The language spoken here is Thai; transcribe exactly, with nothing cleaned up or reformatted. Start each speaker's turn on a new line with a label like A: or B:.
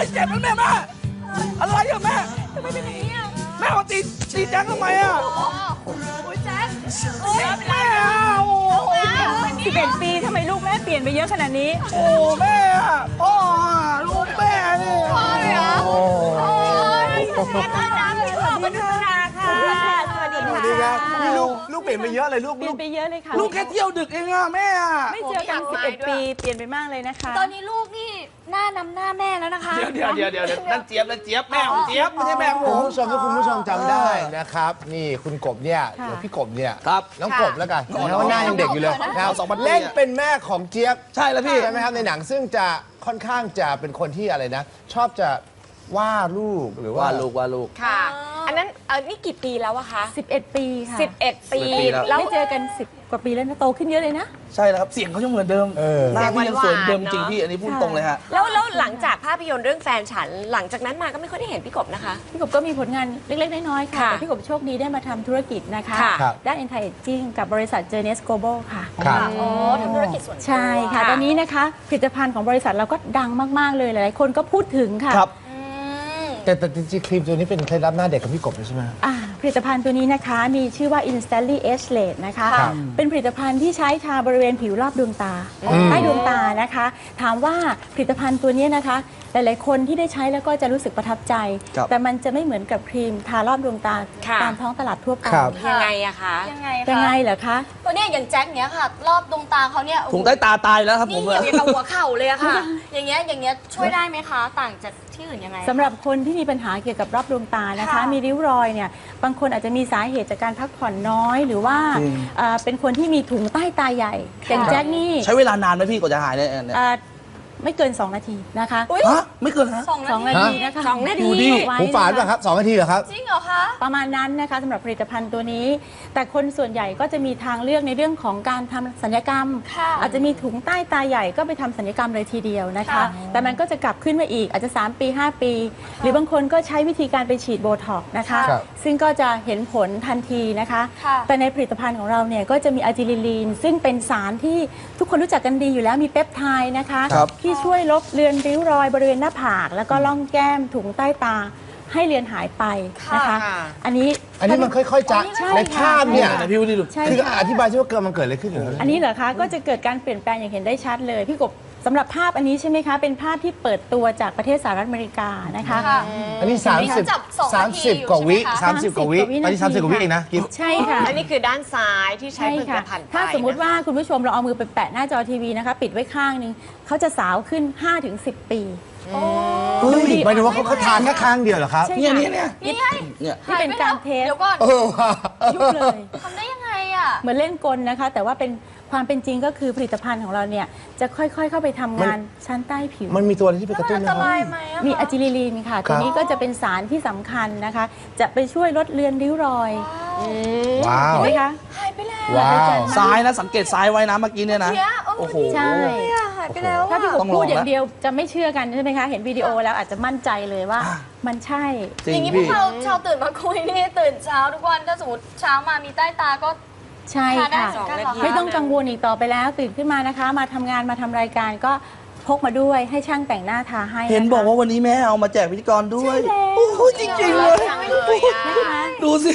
A: เจ็บนะแม่แม่อะไรอะแม่ทำไมเป็นอย่างนี้อะแม่มาตีตีแจ็คทำไมอะโอ้ยแจ็คแม่โอ้
B: สิบเอ็ดปีทำไมลูกแม่เปลี่ยนไปเยอะขนาดนี้
A: โอ้แม่พ่อลูกแม่นี่พ่อเลยเหรอโอ้
B: ยขอบคุณค่ะขอบคุณค่ะสวัสดีค่ะ
C: สวัสดีครับนี่ลูกลูกเปลี่ยนไปเยอะเลยลูก
B: เปลี่ยนไปเยอะเลยค่ะ
A: ลูกแค่เที่ยวดึกเองอะแม่
B: ไม่เจอกันสิบเอ็ดปีเปลี่ยนไปมากเลยนะคะ
D: ตอนนี้ลูกนี่หน้านำหน้าแม่แล้วนะคะ
A: เดี๋ยวเดี๋ยวเดี๋ยวเดี๋ยวนั่นเจี๊ยบนั่นเจี๊ยบแม่ของเจี๊ยบไม่ใช่แม่ของผ
C: คุณ
A: ม
C: ผู้ชมถ้าคุณผู้ชมจำได้นะครับนี่คุณกบเนี่ยเดี๋ยวพี่กบเนี่ย
A: ครับ
C: น้องกบแล้วกันเพราะว่าหน้ายังเด็กอยู่เลยนะครับ
A: สองพันปี
C: เล่นเป็นแม่ของเจี๊ยบ
A: ใช่แล้วพี่
C: ใช่ไหมครับในหนังซึ่งจะค่อนข้างจะเป็นคนที่อะไรนะ ชอบจะว่าลูกหรือว่า
A: ว่าลูกว่าลูก
E: ค่ะ อันนั้นเออนี่กี่ปีแล้วอะคะ
B: สิบเอ็ดปีค่ะ
E: สิบเอ็ดปี
A: สิบเอ็ดปีแล้ว
E: แล้ว
B: ไม่เจอกันสิบกว่าปีแล้วนะโตขึ้นเยอะเลยนะ
A: ใช่แล้วครับเสียงเขายังเหมือนเดิม
C: เออ
A: หน้าพี่ยังสวยเหมือนเดิม
E: หวานๆ
A: จริงพี่อันนี้พูด
B: ค่ะ
A: ตรงเลยฮะ
E: แล้วแล้วหลังจากภาพยนตร์เรื่องแฟนฉัน หลังจากนั้นมาก็ไม่ค่อยได้เห็นพี่กบนะคะ
B: พี่กบก็มีผลงานเล็กๆน้อยๆค่ะ
E: ค่ะ
B: แต่พี่กบโชคดีได้มาทำธุรกิจนะคะ
E: ค่ะ
C: ครับ
B: ด้าน anti aging กับบริษัท Journeys Global ค่ะ
C: ครับ
D: อ๋อทำธุรกิจส่วนตัว
B: ใช่ค่ะ ตอนนี้นะคะผลิตภัณฑ์ของบริษัทเราก็ดังมาก ๆ เลยหลายๆคนก็พูดถึงค่ะ
A: ครับ
D: อืม
C: แต่แต่จริงๆครีมตัวนี้เป็นเคล็ดลับหน้าเด็กกับพี่กบเลยใช่ไหม
B: อ่าผลิตภัณฑ์ตัวนี้นะคะมีชื่อว่า Instantly Age Late นะคะ
C: ครับ
B: เป็นผลิตภัณฑ์ที่ใช้ทาบริเวณผิวรอบดวงตาใต้ดวงตานะคะ ถามว่าผลิตภัณฑ์ตัวนี้นะคะ หลายๆคนที่ได้ใช้แล้วก็จะรู้สึกประทับใจ
A: ครับ
B: แต่มันจะไม่เหมือนกับครีมทารอบดวงตา
E: ค่ะ
B: ตามท้องตลาดทั่วไป
C: ครับ
E: ยังไงอะคะ
D: ยังไง
B: ยังไง
D: คะ
B: เหรอคะ
D: ตัวเนี้ยอย่างแจ็คเนี้ยค่ะ รอบดวงตาเขาเนี่ย
A: ถุงใต้ตาตายแล้วครับผ
D: นี่
A: ม
D: อย่างกับหัวเข่าเลยอะค่ะ อย่างเงี้ยอย่างเงี้ยช่วยได้ไหมคะ ต่างจากที่อื่นยังไง
B: สำหรับคนที่มีปัญหาเกี่ยวกับรอบดวงตานะคะ
D: ค่ะ
B: มีริ้วรอยเนี่ยบางคนอาจจะมีสาเหตุจากการพักผ่อนน้อย หรือว่า
A: จริง
B: เอ่อเป็นคนที่มีถุงใต้ตาใหญ่อย่างแจ็คนี่
A: ใช้เวลานานไหมพี่กว่าจะหายเนี่ยเนี่ย
B: เอ่อไม่เกิน สอง นาทีนะคะ
D: อุ๊ย
A: ฮะไม่เกินฮะ
D: สอง
B: สอง
D: นา
B: นา
D: ที
B: ทีนะคะ
E: สองนาที
A: ดูดิ
B: ไว้
C: หูฝาดป่ะครับสองนาทีเหรอครับ
D: จริงเหรอคะ
B: ประมาณนั้นนะคะสำหรับผลิตภัณฑ์ตัวนี้ แต่คนส่วนใหญ่ก็จะมีทางเลือกในเรื่องของการทำศัลยกรรม
D: ค่ะ
B: อาจจะมีถุงใต้ตาใหญ่ก็ไปทำศัลยกรรมเลยทีเดียวนะคะ
D: ค่ะ
B: แต่มันก็จะกลับขึ้นมาอีกอาจจะ สาม ปี ห้า ปี หรือบางคนก็ใช้วิธีการไปฉีดโบท็อกซ์นะคะ
C: ครับ
B: ซึ่งก็จะเห็นผลทันทีนะคะ
D: ค่ะ
B: แต่ในผลิตภัณฑ์ของเราเนี่ยก็จะมีอะจิลิลีนซึ่งเป็นสารที่ทุกคนรู้จักกันดีอยู่แล้วมีเปปไทด์นะคะ
A: ครับ
B: ที่ช่วยลบเลือนริ้วรอยบริเวณหน้าผาก แล้วก็ล่องแก้มถุงใต้ตาให้เลือนหายไปนะคะ
E: ค่ะ
B: อันนี้
C: อันนี้มันค่อยๆจะ
B: ใช่
C: ในภาพเนี่ย
A: ไหนพี่ดูดิดู
B: ใช่
C: คือ
B: ค่ะ
C: อธิบายที่ว่าเกิดมันเกิดอะไรขึ้นเหรอ
B: อันนี้เหรอคะก็จะเกิดการเปลี่ยนแปลงอย่างเห็นได้ชัดเลยพี่กบสำหรับภาพอันนี้ใช่ไหมคะเป็นภาพที่เปิดตัวจากประเทศสหรัฐอเมริกานะคะ
D: ค่ะ
C: อันนี้ 30
D: จับสองนาทีอยู่
C: 30 กว่าวิ
D: ใช่ไหมคะ
C: สามสิบกว่าวิ
B: สามสิบ
C: ตอนนี้
B: กว่าวิ
C: สามสิบกว่าวิ
B: นาที
C: เองนะกิ๊บ
B: ใช่ค่ะ
E: อันนี้คือด้านซ้ายที่ใช้
B: ใช่
E: ผลิต
B: ค่ะ
E: ภัณฑ์ไป
B: ถ้าสมมุติ
E: นะคะ
B: ว่าคุณผู้ชมเราเอามือไปแปะหน้าจอทีวีนะคะ ปิดไว้ข้างหนึงเขาจะสาวขึ้น ห้าถึงสิบ ปี
C: เฮ้ยหมายถึงว่าเขาเขาทานแค่ข้างเดียวเหรอครับ
B: ใช่
A: เนี่ย
B: ค่ะ
A: เนี่ยเนี่ย
D: นี่ไง
A: เนี่ย
B: นี่เป็นการเทส
D: เดี๋ยวก่อน
C: เออว่ะ
B: ยุบเลย
D: ทำได้ยังไงอ่ะ
B: เหมือนเล่นกลนะคะ แต่ว่าเป็นความเป็นจริงก็คือผลิตภัณฑ์ของเราเนี่ยจะค่อยๆ เข้าไปทำงานชั้นใต้ผิว
C: มันมีตัวอะไรที่ไปกระตุ้น
D: อัน
C: ไหม
D: ต
C: ครับ
D: รายไหมอะคะ
B: มีอะจิลิลีนค่ะ
C: ครั
B: ตัว
C: บ
B: นี้ก็จะเป็นสารที่สำคัญนะคะ จะไปช่วยลดเลือนริ้วรอย
C: ว้าว
B: เห็นไหมคะ
D: หายไปแล้ว
C: ว้าว
A: ซ้ายนะสังเกตซ้ายไว้นะเมื่อกี้เนี่ยนะ
D: เนี่ยเออ
A: โอ้โห
B: ใช่
D: เนี่ยหายไปแล้ว
B: ถ้าพี่กบ
A: ต้องลอง
B: พูดอย่าง
A: นะ
B: เดียวจะไม่เชื่อกันใช่ไหมคะ เห็นวิดีโอแล้วอาจจะมั่นใจเลยว่า มันใช่
A: จริ
D: อย่าง งนี้พว
A: พี่
D: กเราชาวตื่นมาคุยนี่ตื่นเช้าทุกวันถ้าสมมติเช้ามามีใต้ตาก็
B: ใช่
D: ทาได้
B: ค่ะ
D: เหมือนกันเหรอคะ
B: ไม่ต้องกังวลอีกต่อไปแล้วตื่นขึ้นมานะคะ มาทำงานมาทำรายการก็พกมาด้วยให้ช่างแต่งหน้าทาให้ะคะ
A: เห็นบอกว่าวันนี้แม่เอามาแจกพิธีกรด้วย
B: ใช่แล้ว
A: โอ้โหจริงๆเลย
D: ยังไม่เลยอะ
B: นะคะ
A: ดูสิ